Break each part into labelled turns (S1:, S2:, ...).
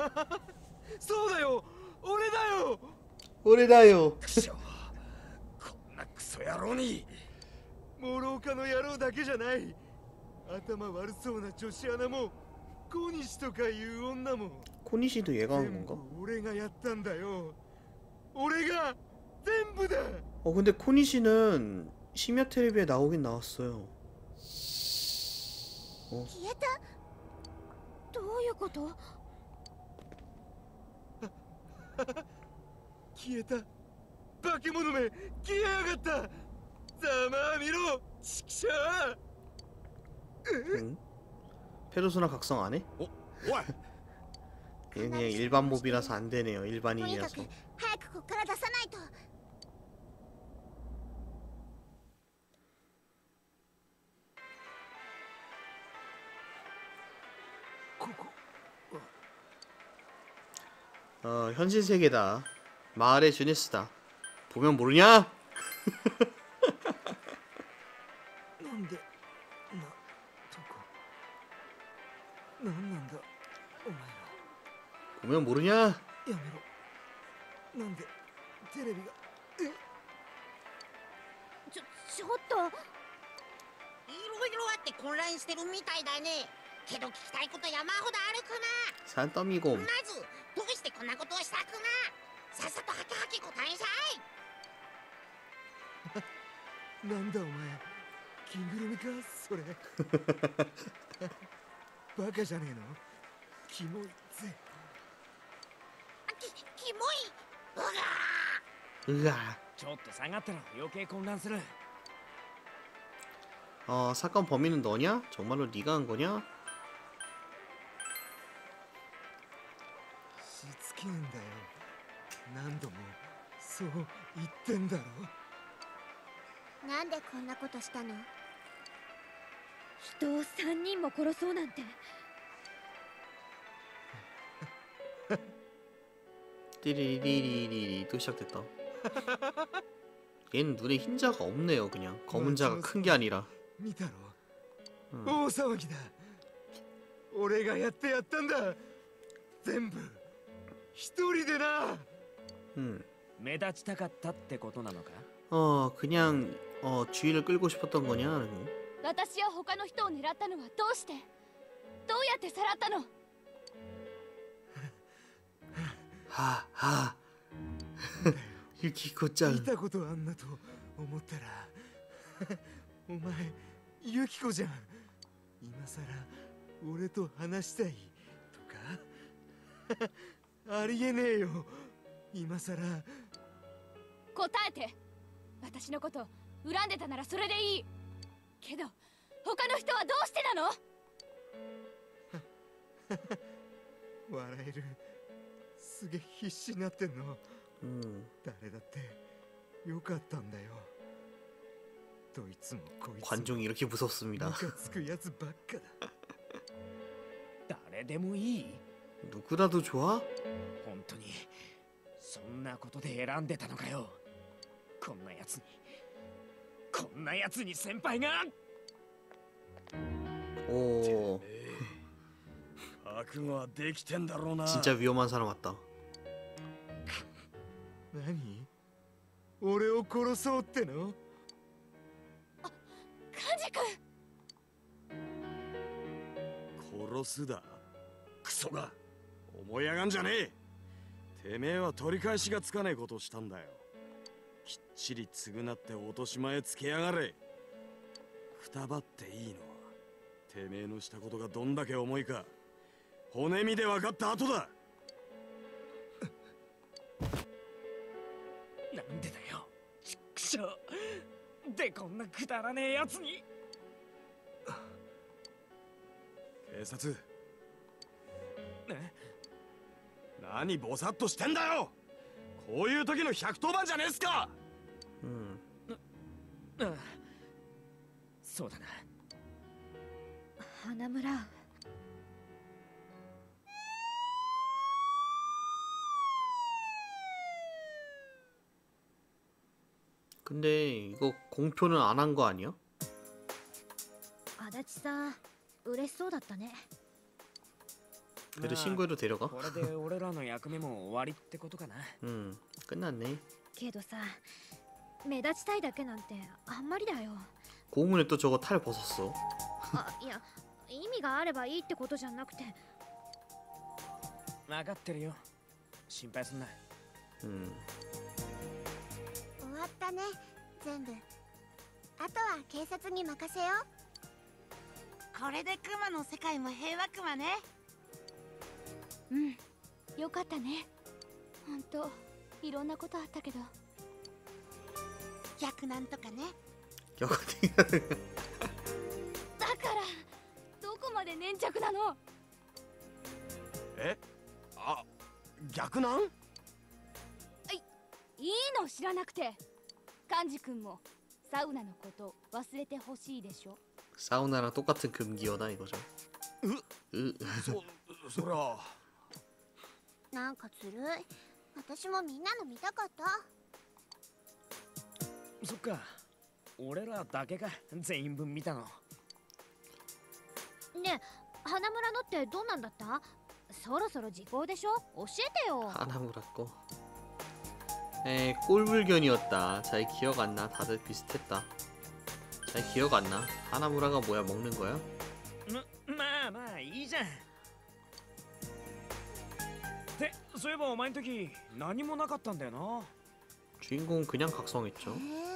S1: そうだよ、俺だよ。
S2: 俺だよ。
S1: こんなクソ野郎に。諸岡の野郎だけじゃない。頭悪そうな女子アナも小西とかいう女も
S2: 코니시도 얘가 한
S1: 全部
S2: 건가?
S1: 俺がやったんだよ。俺が全部だ。
S2: 근데 코니시는 심야 텔레비에 나오긴 나왔어요.
S3: 消えた？どういうこと？
S1: 消えた。化け物め消えやがった。ざまあみろ、ちくしょう。
S2: 응? 페르소나 각성 안 해?
S1: 오,
S2: 그냥 일반 몹이라서 안 되네요.
S3: とにか
S2: 일반인이라서.
S3: く早くここから出さないと。
S2: 현실 세계다. 마을의 주네스다. 보면 모르냐?
S1: なんでとこなんなんだお前ら。
S2: 보면 모르냐?
S1: やめろ。なんでテレビが。
S3: ちょっと。
S4: いろいろあって混乱してるみたいだね。けど聞きたいこと山ほどあるかな。
S2: 산더미곰.
S4: まずどうしてこんなことをしたくな。さっさとはきはき答えんさい。
S1: なんだお前、着ぐるみかそれ。バカじゃねえの。キモいぜ。
S4: キモい。うがー。
S2: 으아.
S5: ちょっと下がったら余計混乱する。
S2: 사건 범인은 너냐? 정말로 네가 한 거냐?
S1: しつけえんだよ。何度もそう言ってんだろ。
S3: なんでこんなことしたの？
S6: 人を3人も殺そうなんて。
S2: 띠리리리리리 또 시작됐다. 얘는 눈에 흰자가 없네요. 그냥 검은 자가 큰 게 아니라.
S1: 見たろ、大騒ぎだ。俺がやってやったんだ。全部一人でな。
S5: 目立ちたかったってことなのか？
S2: 그냥 주의를 끌고 싶었던 거냐?
S6: 私は他の人を狙ったのはどうして？どうやってさらったの？
S2: 하하. 유키코-짱.
S1: 見たことあんなと思ったらお前ユキコじゃん。今さら俺と話したいとかありえねえよ。今さら
S6: 答えて。私のこと恨んでたならそれでいいけど、他の人はどうしてなの？
S1: 笑える。すげえ必死になってんの。誰だってよかったんだよ。どいつもこいつも
S2: 관종이 이렇게 무섭습니다.
S1: ムカつくやつばっかだ。
S5: 誰でもいい？
S2: 누구라도 좋아?
S5: 本当にそんなことで選んでたのかよ。こんなやつに先輩が。
S2: 오.
S1: 覚悟はできてんだろうな。
S2: 진짜 위험한 사람 같다.
S1: 何？俺を殺そうっての？
S6: カンジ君。
S1: 殺すだ。クソが。思い上がんじゃねえ。てめえは取り返しがつかねえことをしたんだよ。きっちり償って落とし前つけやがれ。くたばっていいのはてめえのしたことがどんだけ重いか骨身で分かった後だ。
S5: なんでだよ、ちっくしょう。でこんなくだらねえやつに。
S1: 警察。何ボサッとしてんだよ。こういう時の110番じゃねえっすか。
S5: そうだな。
S6: 花村。
S2: 근데 이거 공표는 안 한 거 아니야?
S6: 足立さん、嬉しそうだったね。
S2: 그래도 친구를 데려가?
S5: これで俺らの役目も終わりってことかな。
S2: 끝났네.
S6: けどさ、目立ちたいだけなんてあんまりだよ。
S2: 고문에 또 저거 탈 벗었어.
S6: あ、いや、意味があればいいってことじゃなくて。
S5: 分かってるよ。心配すんな。
S2: 음.
S3: 終わったね、全部。あとは警察に任せよう。
S4: これでクマの世界も平和クマね。
S6: うん、よかったね。ほんと、いろんなことあったけど。
S4: 逆なんとかね。
S2: 여거팅.
S6: だからどこまで粘着なの？
S1: え、あ、逆なん？
S6: いいの知らなくて。幹事君もサウナのこと忘れてほしいでしょ。
S2: 사우나랑 똑같은 금기어다 이거죠. 으.
S1: そりゃ
S3: なんかずるい。私もみんなの見たかった。
S5: そっか。俺らだけか全員分見たの。
S6: ねえ、花村のってどうなんだった？そろそろ時効でしょ？教えてよ。
S2: 하나 물었고. 꼴불견이었다. 잘 기억 안 나. 다들 비슷했다. 잘 기억 안 나. 하나무라가 뭐야, 먹는 거야?
S5: まあまあいいじゃん。ってそういえばお前の時何もなかったんだよな。
S2: 주인공은 그냥 각성했죠.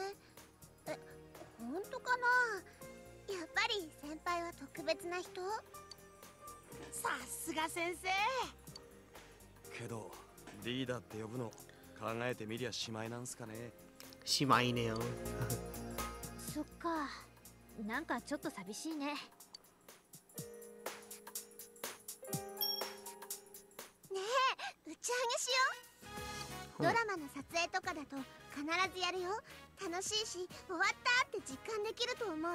S3: 本当かな。やっぱり先輩は特別な人。
S4: さすが先生。
S1: けどリーダーって呼ぶの考えてみりゃしまいなんすかね。
S2: 심하이네요.
S6: そっか。なんかちょっと寂しいね。
S3: 打ち上げしよう。ドラマの撮影とかだと必ずやるよ。楽しいし、終わったって実感できると思う。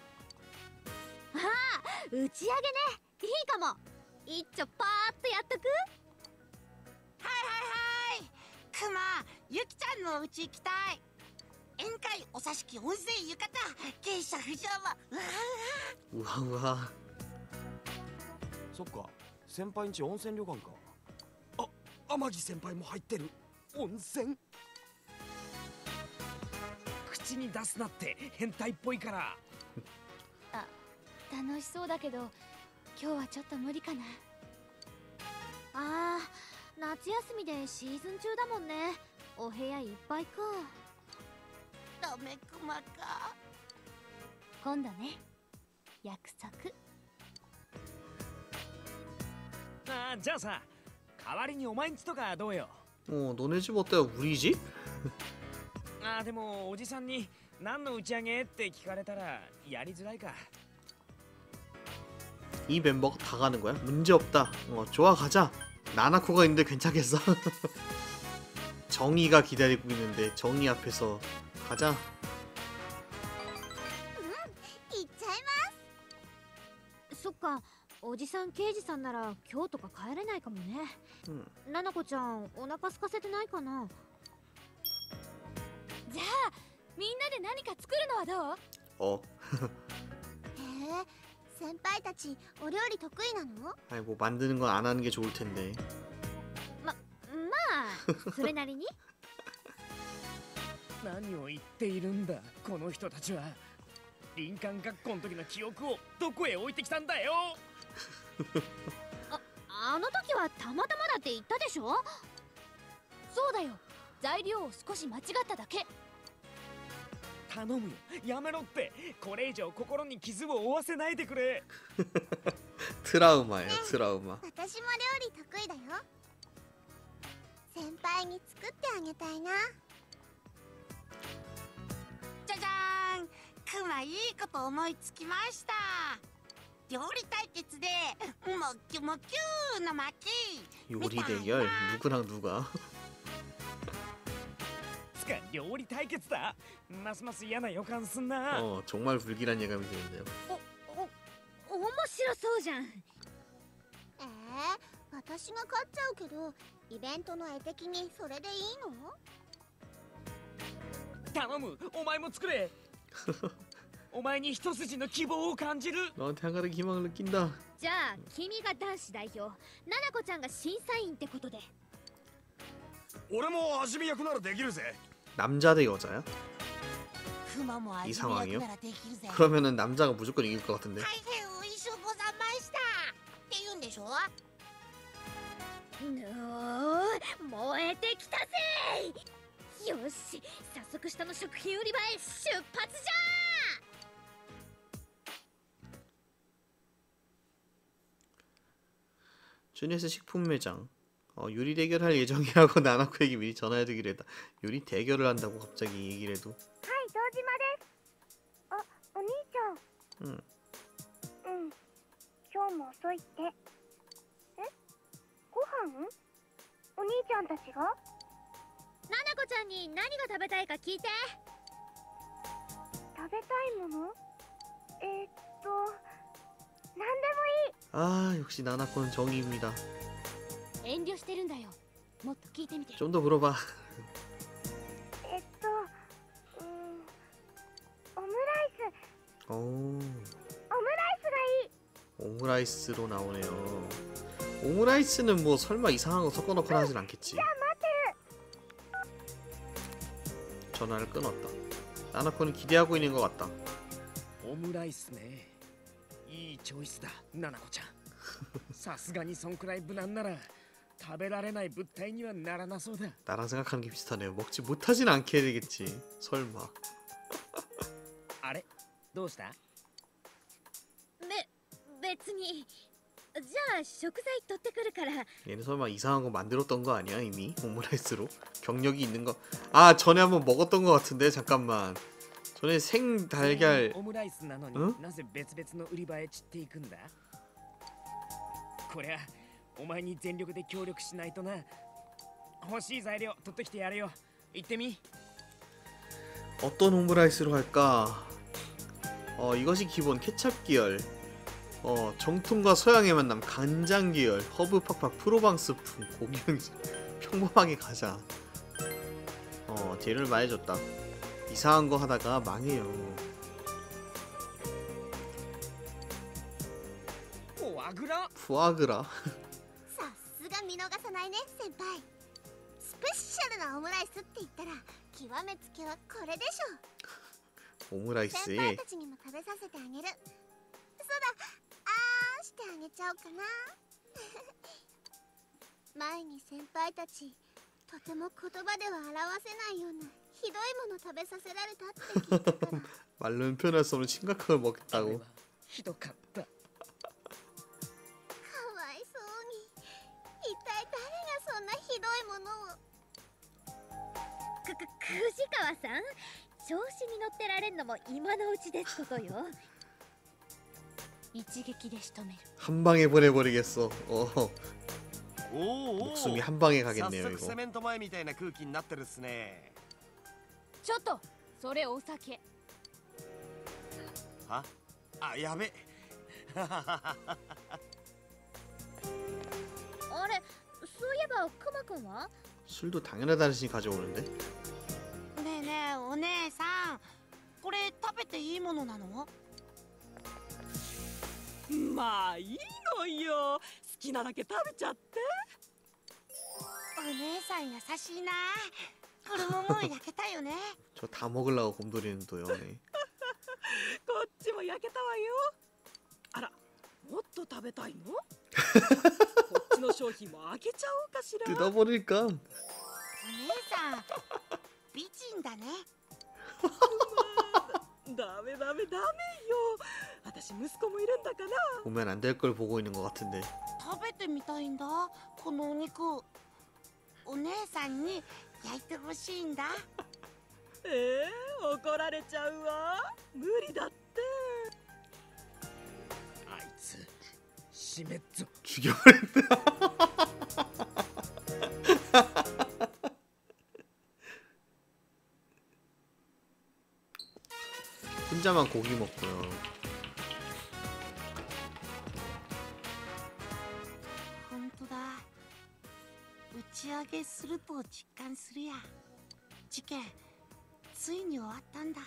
S6: 打ち上げね。いいかも。一丁パーッとやっとく？
S4: はいはいはい。クマ、ユキちゃんのお家行きたい。宴会、お座敷、温泉、浴衣、芸者、不条も。うわうわ。
S2: 우와우와.
S1: そっか、先輩んち温泉旅館か。あ、天城先輩も入ってる。温泉？
S5: 口に出すなって変態っぽいから。
S6: 楽しそうだけど、今日はちょっと無理かな。あー、夏休みでシーズン中だもんね。お部屋いっぱいか。
S4: ダメクマか。
S6: 今度ね。約束。
S5: じゃあさ、代わりにお前んちとかどうよ。
S2: 너네 집 어때요? 우리 집?
S5: でもおじさんに何の打ち上げって聞かれたらやりづらいか。
S2: 이 멤버가 다 가는 거야? 문제 없다. 좋아, 가자. 나나코가 있는데 괜찮겠어? 정의가 기다리고 있는데 정의 앞에서 가자.
S3: 行っちゃいま
S6: そっか。おじさん刑事さんなら今日とか帰れないかもね。ななこちゃん、お腹空かせてないかな。じゃあみんなで何か作るのはどう？
S3: す。へえ、先輩たちお料理得意なの？
S2: 아이 뭐 만드는 건 안 하는 게 좋을 텐데.
S6: まあそれなりに。
S5: 何を言っているんだこの人たちは。林間学校の時の記憶をどこへ置いてきたんだよ。
S6: あの時はたまたまだって言ったでしょ。そうだよ。材料を少し間違っただけ。
S5: 頼むよ、やめろって。これ以上心に傷を負わせないでくれ。
S2: 트라우마예요, 트라우마.
S3: 私も料理得意だよ。先輩に作ってあげたいな。
S4: じゃじゃーん。クマいいこと思いつきました。料理対決でもきゅもきゅーの巻。
S2: 요리 대결? 누구랑 누가?
S5: つか料理対決だ。ますます嫌な予感すんな。
S2: 정말 불길한 예감이 드는데요.
S6: 面白そうじゃん。
S3: 私が勝っちゃうけど、イベントの絵的にそれでいいの？
S5: 頼む、お前も作れ。お前に一筋の希望を感じる。
S2: 너한테 한 가닥 희망을 느낀다.
S6: じゃあ君が男子代表、ナナコちゃんが審査員ってことで。
S1: 俺も味見役ならできるぜ。
S2: 남자 대 여자야?
S4: クマも味見
S2: 상황이요
S4: 役ならできるぜ。
S2: 그러면은 남자가 무조건 이길 것 같은데.
S4: 大変おいしゅうございましたって言うんでしょ。
S6: 燃えてきたぜ。よし、早速下の食品売り場へ出発じゃ。
S2: 주니스 식품 매장. 유리 대결할 예정이라고 나나코에게 미리 전화해두기로 했다. 유리 대결을 한다고 갑자기 얘기를 해도.
S3: はい堂島です。あ、お兄ちゃん。
S2: うん
S3: 今日も遅いって。え、ご飯？お兄ちゃんたちが？
S6: ナナコちゃんに何が食べたいか聞いて。
S3: 食べたいもの？なんでもいい。
S2: 아 역시 나나코는 정의입니다.
S6: 遠慮してるんだよ。もっと聞いてみて。
S2: 좀 더 물어봐.
S3: オムライス。
S2: 오
S3: オムライスがいい。
S2: 오므라이스로 나오네요. 오므라이스는 뭐 설마 이상한 거 섞어놓거나 하진 않겠지. 전화를 끊었다. 나나코는 기대하고 있는 것 같다.
S5: オムライスね。いいチョイスだ、ナナコちゃん。さすがにそんくらい無難なら食べられない物体にはならなそうだ。
S2: 나랑 생각하는 게 비슷하네요. 먹지 못하진 않게 해야 되겠지. 설마.
S5: あれ、どうした？
S6: 別に。じゃあ食材取ってくるから。
S2: 얘는 설마 이상한 거 만들었던 거 아니야 이미? 오므라이스로? 경력이 있는 거. 아 전에 한번 먹었던 거 같은데 잠깐만. 전에 생 달걀.
S5: オムライスなのに
S2: ん
S5: なぜ別々の売り場へ散っていくんだ？こりゃお前に全力で協力しないとな。欲しい材料取ってきてやるよ。行ってみ。
S2: 어떤 오므라이스로 할까? 이것이 기본 케찹 계열. 정통과 서양의 만남 간장 계열. 허브 팍팍 프로방스풍 고기향. 평범하게 가자. 재료를 많이 줬다. 이상한 거 하다가 망해요.
S5: フォアグラ。
S2: 푸아그라.
S3: さすが見逃さないね先輩。スペシャルなオムライスって言ったら極めつけはこれでしょ。先
S2: 오므라이스에
S3: 輩たちにも食べさせてあげる。そうだ、してあげちゃおうかな。前に先輩たちとても言葉では表せないようなひどいもの食べさせられたって聞いたから。
S2: 말로는 표현할 수 없는 심각한 걸
S5: あれ
S2: 먹겠다고.
S5: はひどかった。
S3: かわいそうに。一体誰がそんなひどいものを。
S6: 藤川さん、調子に乗ってられんのも今のうちですことよ。一撃で仕留める。
S2: 한 방에 보내버리겠어.
S1: おお
S2: 목숨이 한 방에
S1: 早
S2: 가겠네요
S1: 速
S2: 이거.
S1: セメント前みたいな空気になってるっすね。
S6: ちょっと、それお酒。
S1: は？あ、やべ。
S6: あれ、そういえばクマくんは？
S2: 술도 당연하다는 가져오는데.
S4: ねえねえお姉さん、これ食べていいものなの？
S7: まあいいのよ。好きなだけ食べちゃって。
S4: お姉さん優しいな。これももう焼けたよね。
S2: 저 다 먹으려고 곰돌이는 또 연애.
S7: こっちも焼けたわよ。あら、もっと食べたいの？こっちの商品も開けちゃおうかしら。
S2: 뜯어버릴까?
S4: お姉さん美人だね。
S7: ダメダメダメよ。私息子もいるんだから。
S2: 보면 안 될 걸 보고 있는 것 같은데.
S4: 食べてみたいんだこのお肉。お姉さんに焼いてほしいんだ。
S7: 怒られちゃうわ。無理だって。
S5: あいつしめっぞ。
S2: 죽여버린다. 혼자만 고기 먹고요.
S4: 本当だ。打ち上げすると実感するや。事件ついに終わったんだ。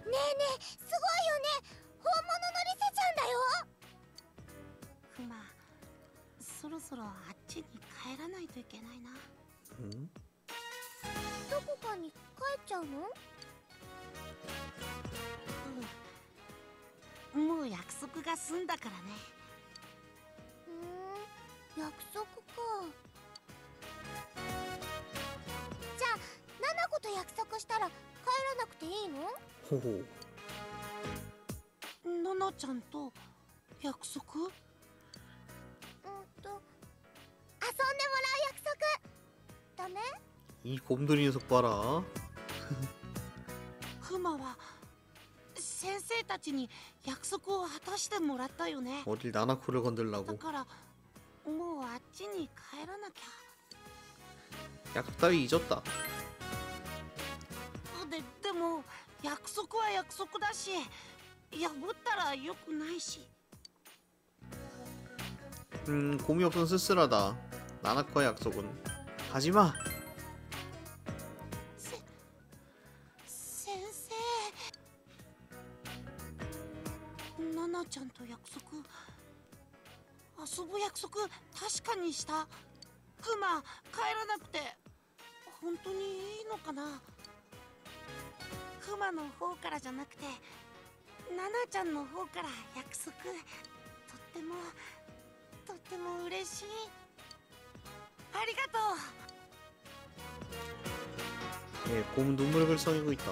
S3: ねえすごいよね。本物のリセちゃんだよ。
S4: クマ、そろそろあっちに帰らないといけないな。
S2: ん
S3: どこかに帰っちゃうの？
S4: もう約束が済んだからね。
S3: 約束か。じゃあナナコと約束したら帰らなくていいの？
S2: ほほ
S4: ナナちゃんと約束？
S3: 遊んでもらう約束ダメ？
S2: 이 곰돌이 녀석 봐라.
S4: クマは先生たちに約束を果たしてもらったよね。
S2: 어딜 나나코를
S4: だ
S2: 건들라고.
S4: からもうあっちに帰らなきゃ。
S2: 약속 따위 잊었다.
S4: でも約束は約束だし、破ったらよくないし。
S2: 곰이 없어서 쓸쓸하다. 나나코의 약속은 하지마.
S4: 先生、ナナちゃんと約束、遊ぶ約束確かにした。クマ、帰らなくて本当にいいのかな。クマの方からじゃなくてナナちゃんの方から約束、とっても嬉しい。ありがとう。
S2: 예, 곰은 눈물을 글썽이고 있다.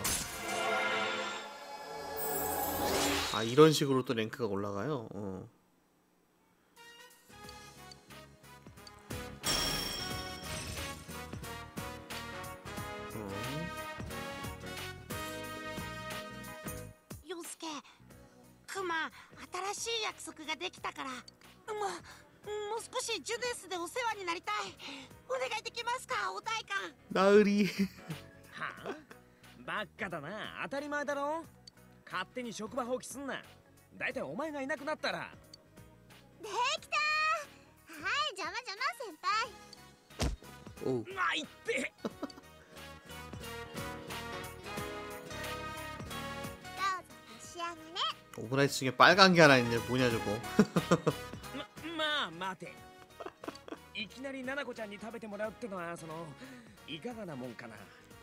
S2: 아, 이런 식으로 또 랭크가 올라가요.
S4: 陽介、クマ、新しい約束ができたから、もう少しジュネスでお世話になりたい。お願いできますか、お代官。
S2: 나으리.
S5: はあ、ばっかだな。当たり前だろ。勝手に職場放棄すんな。だいたいお前がいなくなったら。
S3: できたー。はい、邪魔先輩。
S2: 오.
S5: ないって。
S3: どうぞ召し上がれ。
S2: 오므라이스 중에 빨간 게 하나 있는데 뭐냐 저거.
S5: まあ待て。いきなりナナコちゃんに食べてもらうってのはいかがなもんかな。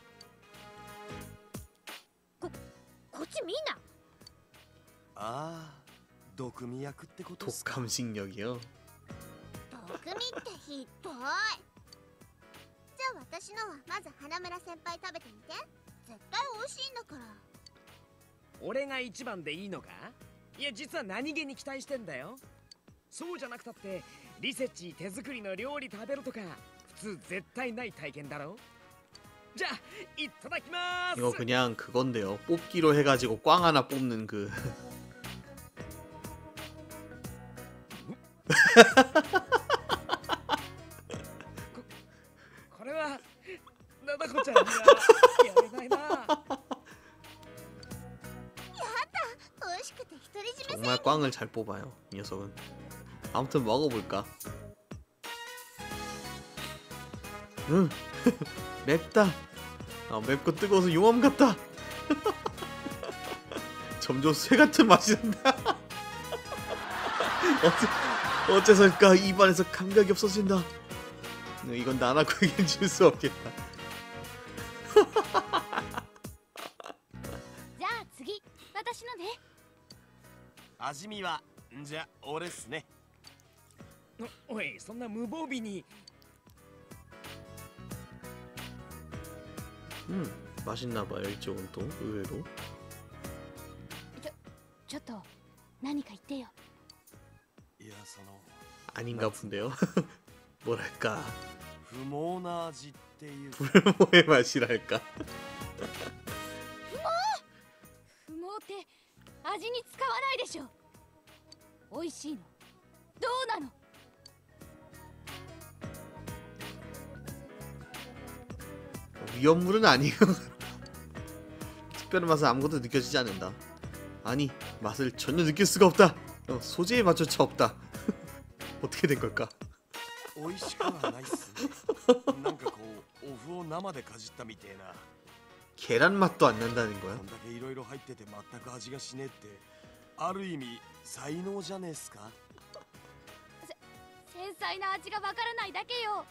S6: こっちみんな。
S1: ああ、毒味役ってことっすか。
S2: 독감식력이요.
S3: 毒味ってひどい。じゃあ私のはまず花村先輩食べてみて。絶対美味しいんだから。
S5: 俺が一番でいいのか？いや実は何気に期待してんだよ。そうじゃなくたってリセッチ手作りの料理食べるとか普通絶対ない体験だろ。じゃあいただきます。
S2: 이거 그냥 그건데요. 뽑기로 해가지고 꽝 하나 뽑는 그.
S5: これはナナコちゃんにはやれないな。
S3: 美味しくて独り占め。
S2: 정말 꽝을 잘 뽑아요 이 녀석은. 아무튼 먹어볼까. 맵다. 맵고 뜨거워서 용암 같다. 점점 쇠 같은 맛이 난다. 어째서일까 입안에서 감각이 없어진다. 이건 나나코에겐 줄 수 없겠다.
S6: じゃあ次、私のね。
S1: 味見はじゃあ俺っすね。
S5: おい、そんな無防備に。
S2: 맛있나봐요 이쪽은 또 의외로.
S6: ちょっと何か言ってよ。
S1: いや
S2: 아닌가 본데요. 뭐랄까
S1: 不毛な味っていうか。
S2: 불모의 맛이랄까.
S6: 不毛って味に使わないでしょ。美味しいの。どうなの？
S2: 위험물은 아니에요. 특별한 맛은 아무것도 느껴지지 않는다. 아니 맛을 전혀 느낄 수가 없다. 소재의 맛조차 없다. 어떻게 된 걸까?
S1: 美味しくはないっすね。なんかこうお麩を生でかじったみてえな。
S2: 계란 맛도 안 난다는 거야?
S1: こんだけいろいろ入ってて全く味がしねえってある意味才能じゃねえっすか。
S6: 繊細な味がわからないだけよ。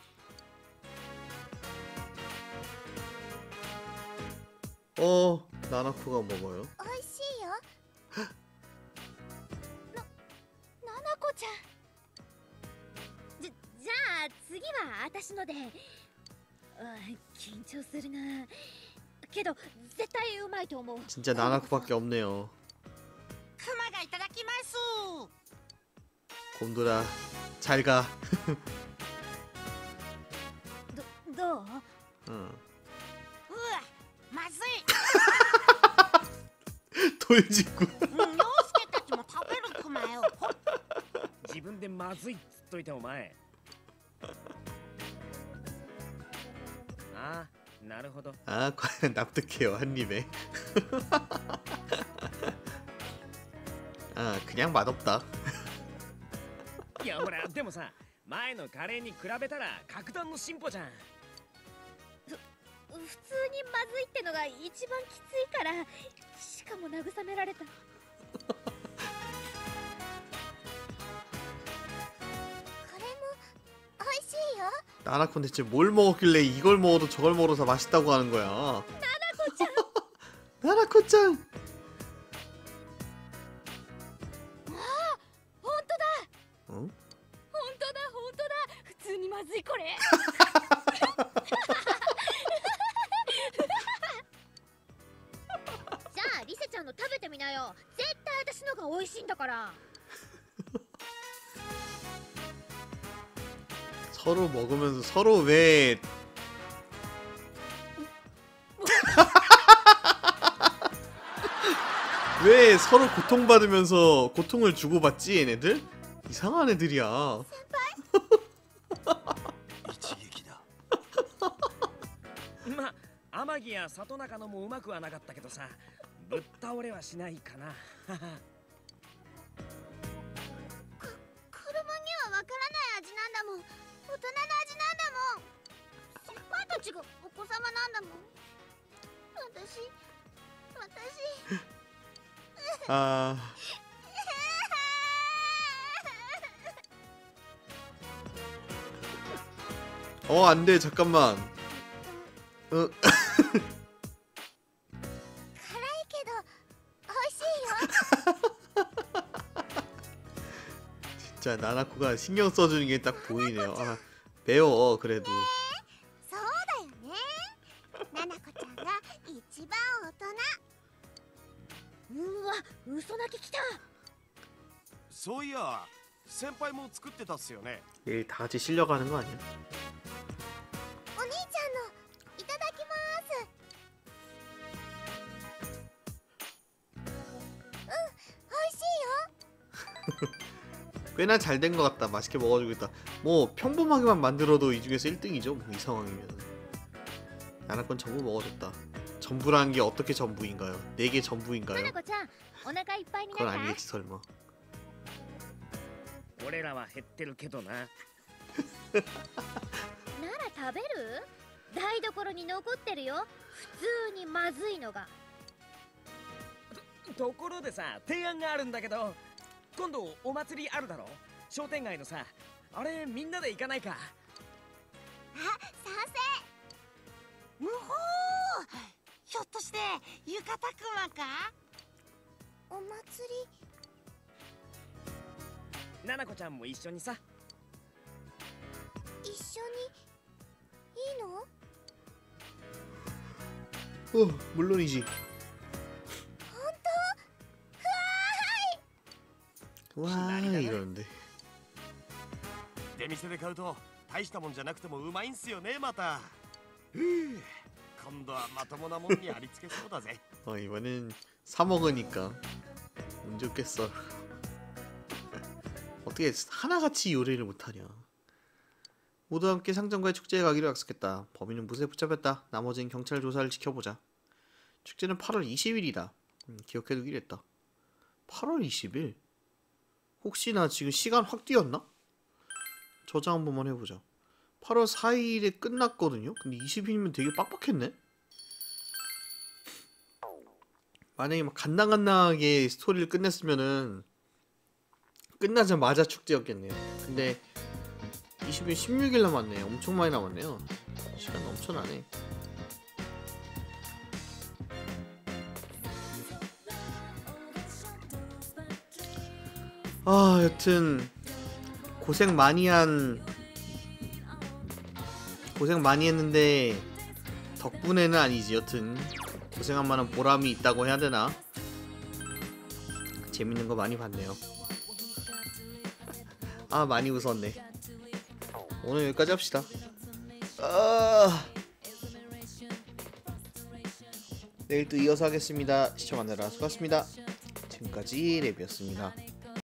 S2: 나나코가 먹어요.
S3: 美味しいよ。
S6: ナナコちゃん。じゃあ次は私ので。緊張するな。けど絶対うまいと思う。
S2: 진짜 나나코밖에 없네요.
S4: クマがいただきます。
S2: 곰돌아 잘 가.
S6: どう？
S2: 응.
S4: うわ、まずい。
S2: 돌직구.
S4: 陽介たちも食べるクマよ。ほっ。
S5: 自分でまずいっつっといてお前。ああ、なるほど。
S2: 아 과연 납득해요 한 입에. 아 그냥 맛없다.
S5: いやほらでもさ、前のカレーに比べたら格段の進歩じゃん。
S6: 普通にまずいってのが一番きついから。しかも慰められた。
S3: これも美味しいよ。
S2: 나나콘 대체 뭘 먹었길래 이걸 먹어도 저걸 먹어도 다 맛있다고 하는 거야?
S6: 나나코짱.
S2: 나나코짱.
S6: 本当だ。
S2: 응?
S6: 本当だ本当だ。普通にまずいこれ。じゃあリセちゃんの食べてみなよ。絶対私のが美味しいんだから。
S2: 서로 먹으면서 서로 왜 왜 서로 고통받으면서 고통을 주고받지 얘네들? 이상한 애들이야.
S1: 一撃だ。
S5: まあ天城や里中のもうまくはなかったけどさ、ぶっ倒れはしないかな。
S3: 子供にはわからない味なんだもん。大人の味なんだもん。先輩たちがお子様なんだもん。私
S2: 아 안돼 잠깐만.
S3: 辛いけど美味しいよ。
S2: 진짜 나나코가 신경 써주는 게 딱 보이네요. 아 배워 그래도.
S3: そうだよね。ななこちゃんが一番大人。
S6: うわ、嘘泣ききた。
S1: そういや先輩も作ってたっすよね。
S2: 내일 다 같이 실려가는 거 아니야?
S3: お兄ちゃんのいただきます。美味しいよ。
S2: 꽤나 잘 된 것 같다. 맛있게 먹어주고 있다. 뭐 평범하게만 만들어도 이 중에서 1등이죠. 뭐 이 상황이면. 나나건 전부 먹어줬다. 전부라는 게 어떻게 전부인가요? 4개 전부인가요?
S6: ななこちゃん、お腹いっぱいにな
S2: 그건
S6: った。
S2: 아니겠지 설마.
S5: 俺らは減ってるけどな。
S6: なら食べる？台所に残ってるよ。普通にまずいのが。
S5: ところでさ、提案があるんだけど、今度お祭りあるだろ。商店街のさ、あれみんなで行かないか。
S3: 賛
S4: むほー。ひょっとして浴衣クマか？
S3: 成。お祭り
S5: ななこちゃんも一緒にさ。
S3: 一緒にいいの？
S2: 물론이지.
S3: 本当？
S2: 와 이러는데.
S1: 出店で買うと大したもんじゃなくてもうまいんすよねまた。今度はまともなもんにありつけそうだぜ。
S2: 이번엔 사 먹으니까 운 좋겠어. 어떻게 하나같이 요리를 못하냐. 모두 함께 상점과의 축제에 가기로 약속했다. 범인은 무쇠에 붙잡혔다. 나머지는 경찰 조사를 지켜보자. 축제는 8월 20일이다. 기억해두기로 했다. 8월 20일? 혹시나 지금 시간 확 뛰었나? 저장 한 번만 해보자. 8월 4일에 끝났거든요? 근데 20일이면 되게 빡빡했네? 만약에 막 간당간당하게 스토리를 끝냈으면은 끝나자마자 축제였겠네요. 근데 16일 남았네. 엄청 많이 남았네요. 시간 넘쳐나네. 여튼 고생 많이 했는데 덕분에는 아니지. 여튼 고생한 만한 보람이 있다고 해야 되나? 재밌는 거 많이 봤네요. 많이 웃었네. 오늘 여기까지 합시다. 내일 또 이어서 하겠습니다. 시청하느라 수고하셨습니다. 지금까지 랩이었습니다.